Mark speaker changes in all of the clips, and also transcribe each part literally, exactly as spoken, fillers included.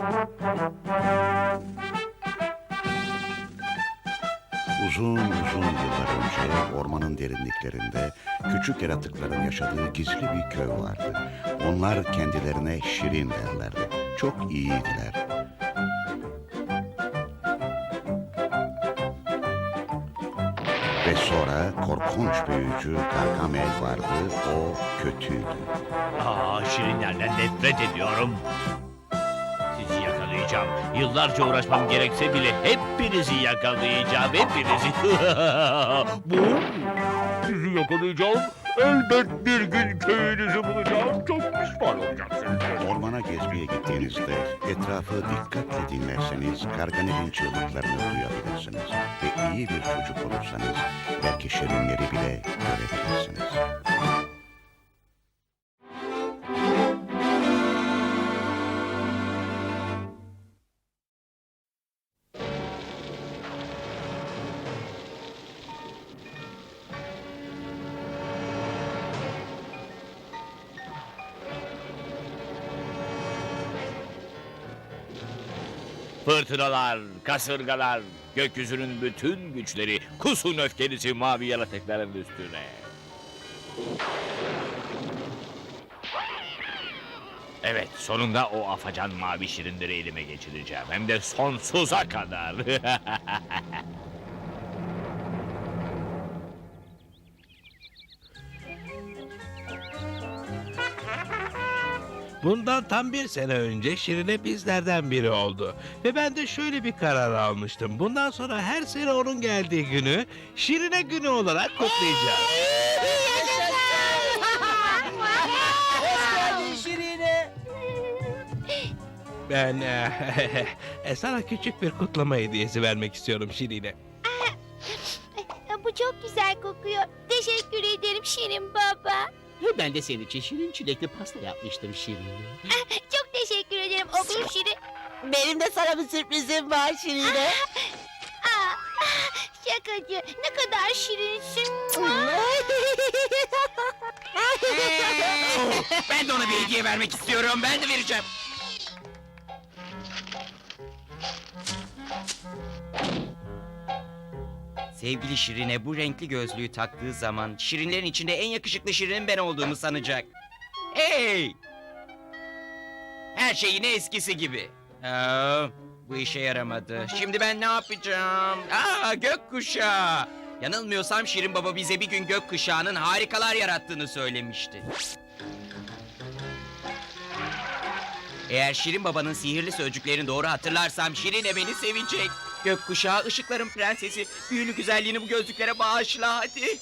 Speaker 1: Uzun uzun yıllar önce ormanın derinliklerinde küçük yaratıkların yaşadığı gizli bir köy vardı. Onlar kendilerine Şirin derlerdi. Çok iyiydiler. Ve sonra korkunç büyücü Gargamel vardı. O kötüydü.
Speaker 2: Aa, şirinlerden nefret ediyorum. Sizi yakalayacağım. Yıllarca uğraşmam gerekse bile hepinizi yakalayacağım. Hepinizi. Bu? Sizi yakalayacağım. Elbet bir gün köyünüzü bulacağım. Çok pişman olacaksınız.
Speaker 1: Ormana gezmeye gittiğinizde etrafı dikkatle dinlerseniz Gargamel'in çığlıklarını duyabilirsiniz. Ve iyi bir çocuk olursanız belki şirinleri bile görebilirsiniz.
Speaker 2: Fırtınalar, kasırgalar, gökyüzünün bütün güçleri, kusun öfkenizi mavi yaratıkların üstüne. Evet, sonunda o afacan mavi şirinleri elime geçireceğim. Hem de sonsuza kadar.
Speaker 3: Bundan tam bir sene önce Şirine bizlerden biri oldu. Ve ben de şöyle bir karar almıştım. Bundan sonra her sene onun geldiği günü Şirine günü olarak kutlayacağız.
Speaker 4: Hoş geldin Şirine.
Speaker 3: Ben eh, sana küçük bir kutlama hediyesi vermek istiyorum Şirine.
Speaker 5: Bu çok güzel kokuyor. Teşekkür ederim Şirin baba.
Speaker 4: Ben de senin için şirin çilekli pasta yapmıştım Şirine.
Speaker 5: Çok teşekkür ederim oğlum Şirin.
Speaker 6: Benim de sana bir sürprizim var Şirine.
Speaker 5: Aa, şakacı, ne kadar şirinsin.
Speaker 4: Ben de ona bir hediye vermek istiyorum. Ben de vereceğim. Sevgili Şirine bu renkli gözlüğü taktığı zaman şirinlerin içinde en yakışıklı şirinin ben olduğumu sanacak. Hey! Her şey yine eskisi gibi. Aa, bu işe yaramadı. Şimdi ben ne yapacağım? Aa, gökkuşağı. Yanılmıyorsam Şirin Baba bize bir gün gökkuşağının harikalar yarattığını söylemişti. Eğer Şirin Baba'nın sihirli sözcüklerini doğru hatırlarsam Şirine beni sevecek. Gökkuşağı, ışıkların prensesi, büyülü güzelliğini bu gözlüklere bağışla hadi.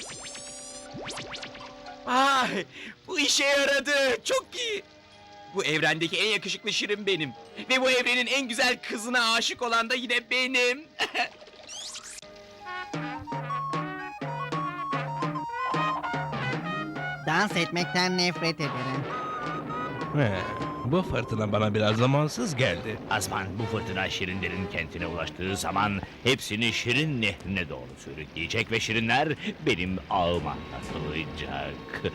Speaker 4: Ay, bu işe yaradı. Çok iyi. Bu evrendeki en yakışıklı Şirin benim. Ve bu evrenin en güzel kızına aşık olan da yine benim.
Speaker 6: Dans etmekten nefret ederim.
Speaker 3: He, bu fırtına bana biraz zamansız geldi.
Speaker 2: Azman, bu fırtına şirinlerin kentine ulaştığı zaman hepsini Şirin nehrine doğru sürükleyecek ve şirinler benim ağıma katılacak.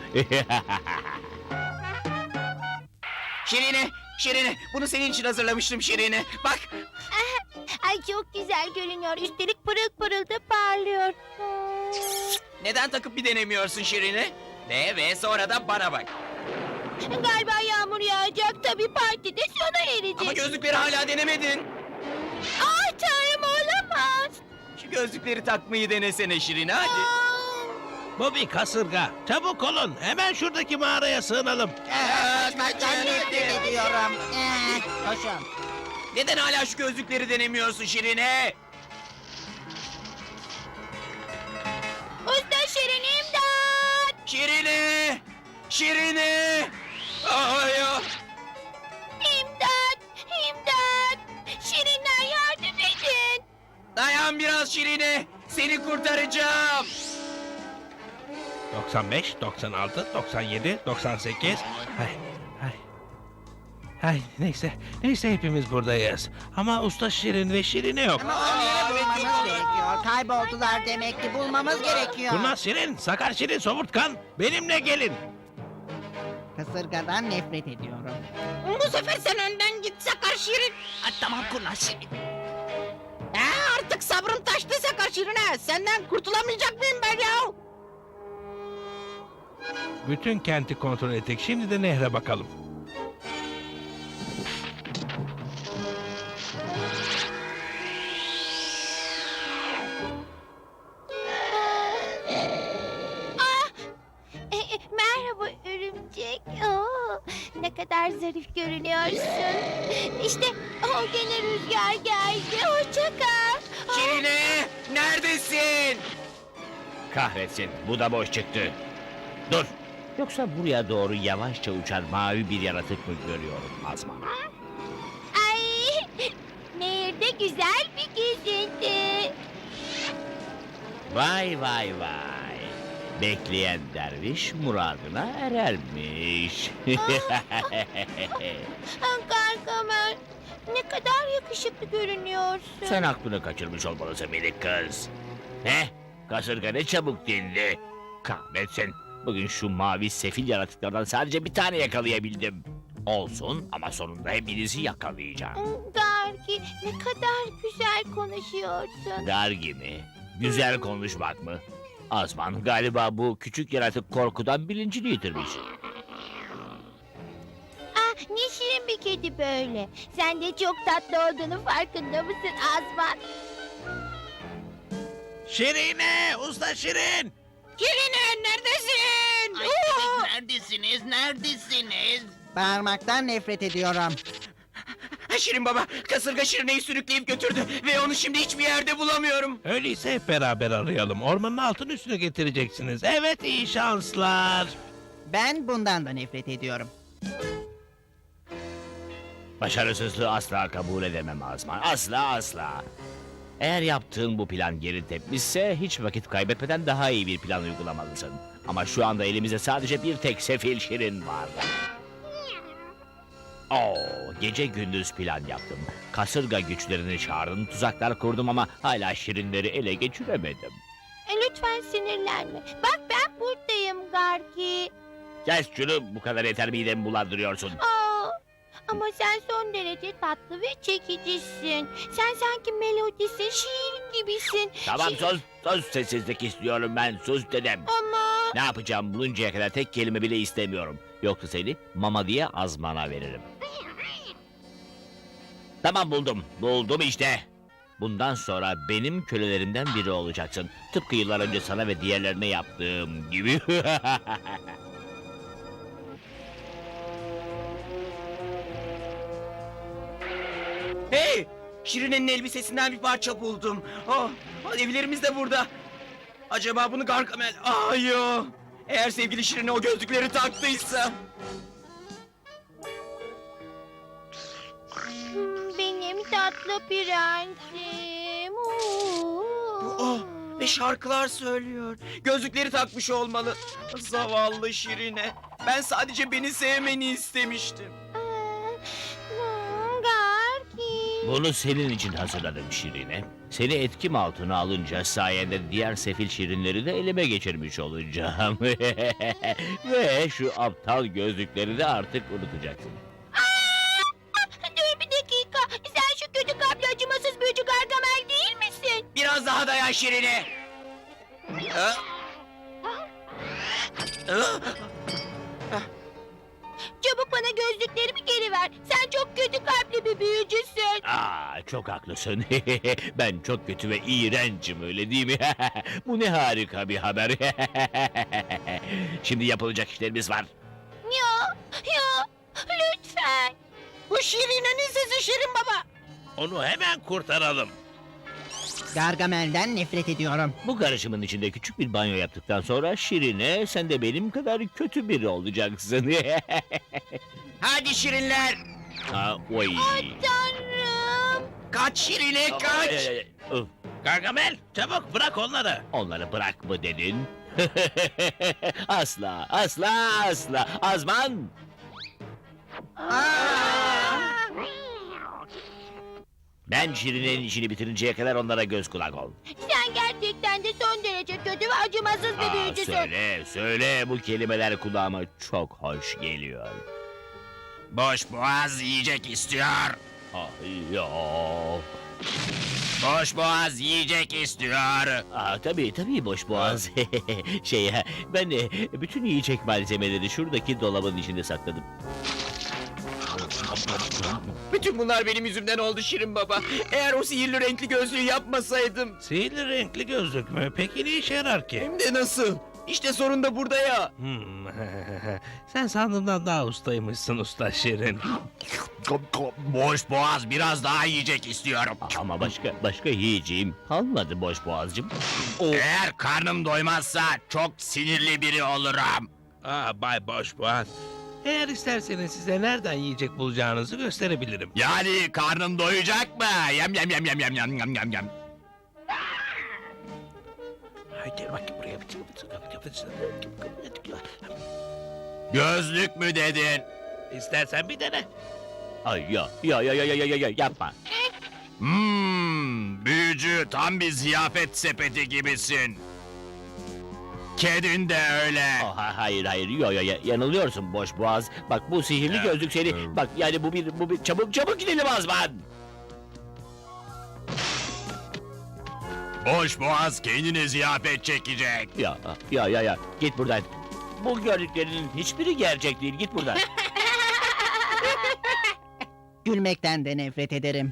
Speaker 4: Şirine, Şirine, bunu senin için hazırlamıştım Şirine. Bak,
Speaker 5: Ay çok güzel görünüyor. Üstelik pırıl pırıl da parlıyor.
Speaker 4: neden takıp bir denemiyorsun Şirine? De ve sonra da bana bak.
Speaker 5: Galiba yağmur yağacak. Tabii partide sona erecek.
Speaker 4: Ama gözlükleri hala denemedin.
Speaker 5: Ah tanrım olamaz.
Speaker 4: Şu gözlükleri takmayı denesene Şirine hadi.
Speaker 5: Aa,
Speaker 3: Bu bir kasırga. Çabuk olun. Hemen şuradaki mağaraya sığınalım.
Speaker 6: Konuşmaktan nefret ediyorum. Ee, Koşun.
Speaker 4: Neden hala şu gözlükleri denemiyorsun Şirine?
Speaker 5: Usta Şirin imdat.
Speaker 4: Şirine! Şirine! Ay ya!
Speaker 5: İmdat. İmdat. Şirinler yardım edin.
Speaker 4: Dayan biraz Şirine! Seni kurtaracağım!
Speaker 3: doksan beş, doksan altı, doksan yedi, doksan sekiz. Ay, ay. Ay neyse, neyse hepimiz buradayız. Ama usta Şirin ve Şirine yok.
Speaker 6: Ama onları bulmamız gerekiyor. Kayboldular demek ki bulmamız gerekiyor.
Speaker 3: Kurnaz Şirin, Sakar Şirin, Somurtkan benimle gelin.
Speaker 6: Kasırgadan nefret ediyorum.
Speaker 7: Bu sefer sen önden git Sakar Şirin.
Speaker 6: Tamam kurnaz Şirin. Ee, artık sabrım taştı Sakar Şirin'e. Senden kurtulamayacak mıyım ben ya?
Speaker 3: Bütün kenti kontrol ettik. Şimdi de nehre bakalım.
Speaker 5: E, e, merhaba örümcek. Oo, ne kadar zarif görünüyorsun. İşte o gene rüzgar geldi. Hoşça kal. Aa,
Speaker 4: Şirine, neredesin?
Speaker 2: Kahretsin, bu da boş çıktı. Dur! Yoksa buraya doğru yavaşça uçan mavi bir yaratık mı görüyorum Azman?
Speaker 5: Ay, nehirde güzel bir gezinti.
Speaker 2: Vay vay vay! Bekleyen derviş muradına erermiş.
Speaker 5: Ah, Gargamel, ne kadar yakışıklı görünüyorsun.
Speaker 2: Sen aklını kaçırmış olmalısın minik kız. Ne? Kasırga ne çabuk dindi. Kahretsin. Bugün şu mavi sefil yaratıklardan sadece bir tane yakalayabildim. Olsun ama sonunda hepinizi yakalayacağım.
Speaker 5: Gargi, ne kadar güzel konuşuyorsun.
Speaker 2: Dergi mi? Güzel konuşmak mı? Azman galiba bu küçük yaratık korkudan bilincini yitirmiş.
Speaker 5: Ah, ne şirin bir kedi böyle. Sen de çok tatlı olduğunu farkında mısın Azman?
Speaker 3: Şirine! Usta Şirin!
Speaker 6: Şirine neredesin?
Speaker 7: Neredesiniz? Neredesiniz?
Speaker 6: Bağırmaktan nefret ediyorum.
Speaker 4: Şirin baba, kasırga Şirine'yi sürükleyip götürdü ve onu şimdi hiçbir yerde bulamıyorum.
Speaker 3: Öyleyse hep beraber arayalım. Ormanın altın üstüne getireceksiniz. Evet, iyi şanslar.
Speaker 6: Ben bundan da nefret ediyorum.
Speaker 2: Başarısızlığı asla kabul edemem Azman. Asla asla. Eğer yaptığın bu plan geri tepmişse hiç vakit kaybetmeden daha iyi bir plan uygulamalısın. Ama şu anda elimizde sadece bir tek sefil Şirin var. Oo, gece gündüz plan yaptım. Kasırga güçlerini çağırdım, tuzaklar kurdum ama hala Şirinleri ele geçiremedim.
Speaker 5: E, lütfen sinirlenme. Bak ben buradayım Gargi.
Speaker 2: Kes şunu, bu kadar yeter midemi bulandırıyorsun.
Speaker 5: Aa, ama sen son derece tatlı ve çekicisin. Sen sanki melodisin, şiir gibisin.
Speaker 2: Tamam
Speaker 5: Şi-
Speaker 2: sus, sus sessizlik istiyorum ben, sus dedim.
Speaker 5: Ama
Speaker 2: Ne yapacağım buluncaya kadar tek kelime bile istemiyorum. Yoksa seni mama diye Azman'a veririm. Tamam buldum, buldum işte. Bundan sonra benim kölelerimden biri olacaksın. Tıpkı yıllar önce sana ve diğerlerine yaptığım gibi.
Speaker 4: Hey! Şirine'nin elbisesinden bir parça buldum. Oh, evlerimiz de burada. Acaba bunu Gargamel... Ay yo! Eğer sevgili Şirine o gözlükleri taktıysa...
Speaker 5: hmm, benim tatlı prensim. Oo.
Speaker 4: Oh, ve şarkılar söylüyor. Gözlükleri takmış olmalı. Zavallı Şirine. Ben sadece beni sevmeni istemiştim.
Speaker 5: Aa, hmm, Gargi.
Speaker 2: Bunu senin için hazırladım Şirine. Seni etkim altına alınca sayende diğer sefil şirinleri de elime geçirmiş olacağım. Ve şu aptal gözlükleri de artık unutacaksın.
Speaker 5: Aa, dur bir dakika. Sen şu kötü kalpli acımasız büyücü Gargamel değil misin?
Speaker 4: Biraz daha dayan Şirine. Ha? Ha?
Speaker 5: Çabuk bana gözlüklerimi geri ver. Sen çok kötü kalpli bir büyücüsün.
Speaker 2: Aa, çok haklısın. Ben çok kötü ve iğrencim öyle değil mi? Bu ne harika bir haber. Şimdi yapılacak işlerimiz var.
Speaker 5: Ya, ya, lütfen.
Speaker 6: Bu Şirine'nin sesi Şirin baba.
Speaker 3: Onu hemen kurtaralım.
Speaker 6: Gargamel'den nefret ediyorum.
Speaker 2: Bu karışımın içinde küçük bir banyo yaptıktan sonra Şirine sen de benim kadar kötü biri olacaksın.
Speaker 4: Hadi Şirinler.
Speaker 2: Ha, oy.
Speaker 5: Tanrım.
Speaker 4: Kaç Şirine
Speaker 2: Ay,
Speaker 4: kaç.
Speaker 2: ay, ay. Öf,
Speaker 3: Gargamel, çabuk bırak onları.
Speaker 2: onları bırak mı dedin? Asla, asla, asla. Azman! Ben Şirine'nin işini bitirinceye kadar onlara göz kulak ol.
Speaker 5: Sen gerçekten de son derece kötü ve acımasız bir
Speaker 2: Aa,
Speaker 5: büyücüsün.
Speaker 2: söyle, söyle bu kelimeler kulağıma çok hoş geliyor.
Speaker 7: Boş boğaz yiyecek istiyor.
Speaker 2: Ay ya.
Speaker 4: Boş boğaz yiyecek istiyor.
Speaker 2: Aa, tabii tabii boş boğaz. şey ya, ben de bütün yiyecek malzemeleri şuradaki dolabın içinde sakladım.
Speaker 4: Bütün bunlar benim yüzümden oldu Şirin Baba. Eğer o sihirli renkli gözlüğü yapmasaydım.
Speaker 3: Sihirli renkli gözlük mü? Peki ne işe yarar ki?
Speaker 4: Hem de nasıl? İşte sorun da burada ya.
Speaker 3: Hmm. Sen sandığımdan daha ustaymışsın usta Şirin.
Speaker 4: Boş boğaz biraz daha yiyecek istiyorum.
Speaker 2: Ama başka başka yiyeceğim kalmadı boş boğazcığım.
Speaker 4: Eğer karnım doymazsa çok sinirli biri olurum.
Speaker 3: Aa Bay Boşboğaz. Eğer isterseniz size nereden yiyecek bulacağınızı gösterebilirim.
Speaker 4: Yani karnım doyacak mı? Yem yem yem yem yem yem yem yem yem.
Speaker 3: Haydi bak buraya.
Speaker 4: Gözlük mü dedin?
Speaker 3: İstersen bir dene.
Speaker 2: Ay ya ya ya ya ya ya ya yapma.
Speaker 4: Hmm, büyücü tam bir ziyafet sepeti gibisin. Kedin de öyle.
Speaker 2: Oh, ha- hayır hayır yo yo ya, yanılıyorsun boş boğaz. Bak bu sihirli gözlük seni. Bak yani bu bir bu bir çabuk çabuk gidelim Azman.
Speaker 4: Boş boğaz kendine ziyafet çekecek.
Speaker 2: Ya ya ya ya git buradan. Bu gördüklerinin hiçbiri gerçek değil. Git buradan.
Speaker 6: Gülmekten de nefret ederim.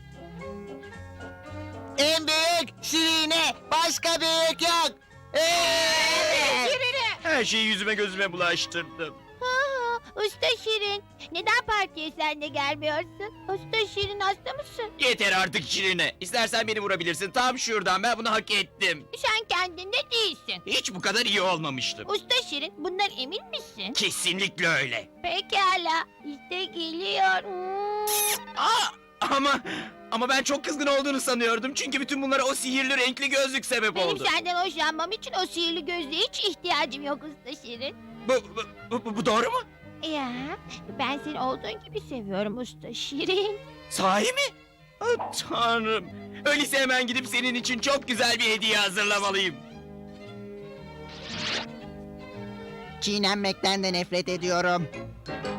Speaker 6: En büyük Şirine, başka büyük yok. Evet.
Speaker 4: Her şeyi yüzüme gözüme bulaştırdım.
Speaker 5: Aa, Usta Şirin, neden partiye sen de gelmiyorsun? Usta Şirin hasta mısın?
Speaker 4: Yeter artık Şirine. İstersen beni vurabilirsin. Tam şuradan ben bunu hak ettim.
Speaker 5: Sen kendinde değilsin.
Speaker 4: Hiç bu kadar iyi olmamıştım.
Speaker 5: Usta Şirin, bundan emin misin?
Speaker 4: Kesinlikle öyle.
Speaker 5: Pekala, işte geliyor. Hmm.
Speaker 4: Aa, ama ama ben çok kızgın olduğunu sanıyordum. Çünkü bütün bunlara o sihirli renkli gözlük sebep
Speaker 5: Benim
Speaker 4: oldu.
Speaker 5: senden hoşlanmam için o sihirli gözlüğe hiç ihtiyacım yok Usta Şirin.
Speaker 4: Bu, bu, bu, bu doğru mu?
Speaker 5: Ya, ben seni olduğun gibi seviyorum Usta Şirin.
Speaker 4: Sahi mi? Ah, Tanrım. Öyleyse hemen gidip senin için çok güzel bir hediye hazırlamalıyım.
Speaker 6: Çiğnenmekten de nefret ediyorum.